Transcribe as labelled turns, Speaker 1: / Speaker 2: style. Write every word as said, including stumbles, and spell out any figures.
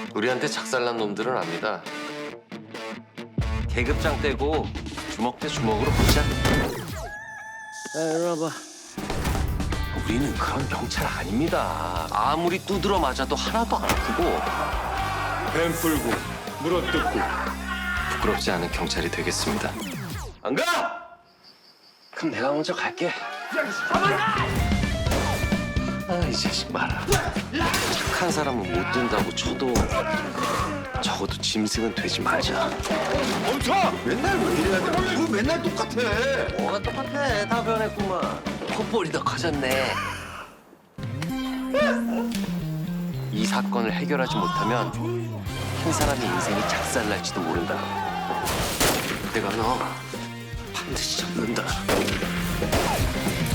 Speaker 1: 우리한테 작살난 놈들은 압니다. 계급장 떼고 주먹 대 주먹으로 붙자. 야, 이리 와봐. 우리는 그런 경찰 아닙니다. 아무리 두드러 맞아도 하나도 안 아프고
Speaker 2: 뱀 풀고 물어뜯고.
Speaker 1: 부끄럽지 않은 경찰이 되겠습니다. 안 가? 그럼 내가 먼저 갈게. 아, 이 자식 말아. 착한 사람은 못 된다고 쳐도 적어도 짐승은 되지 말자.
Speaker 2: 멈춰! 맨날 왜 이래야 돼? 뭐 맨날 똑같아.
Speaker 1: 뭐가 똑같아. 다 변했구만. 콧볼이 더 커졌네. 이 사건을 해결하지 못하면 한 사람의 인생이 작살날지도 모른다. 내가 너 반드시 잡는다.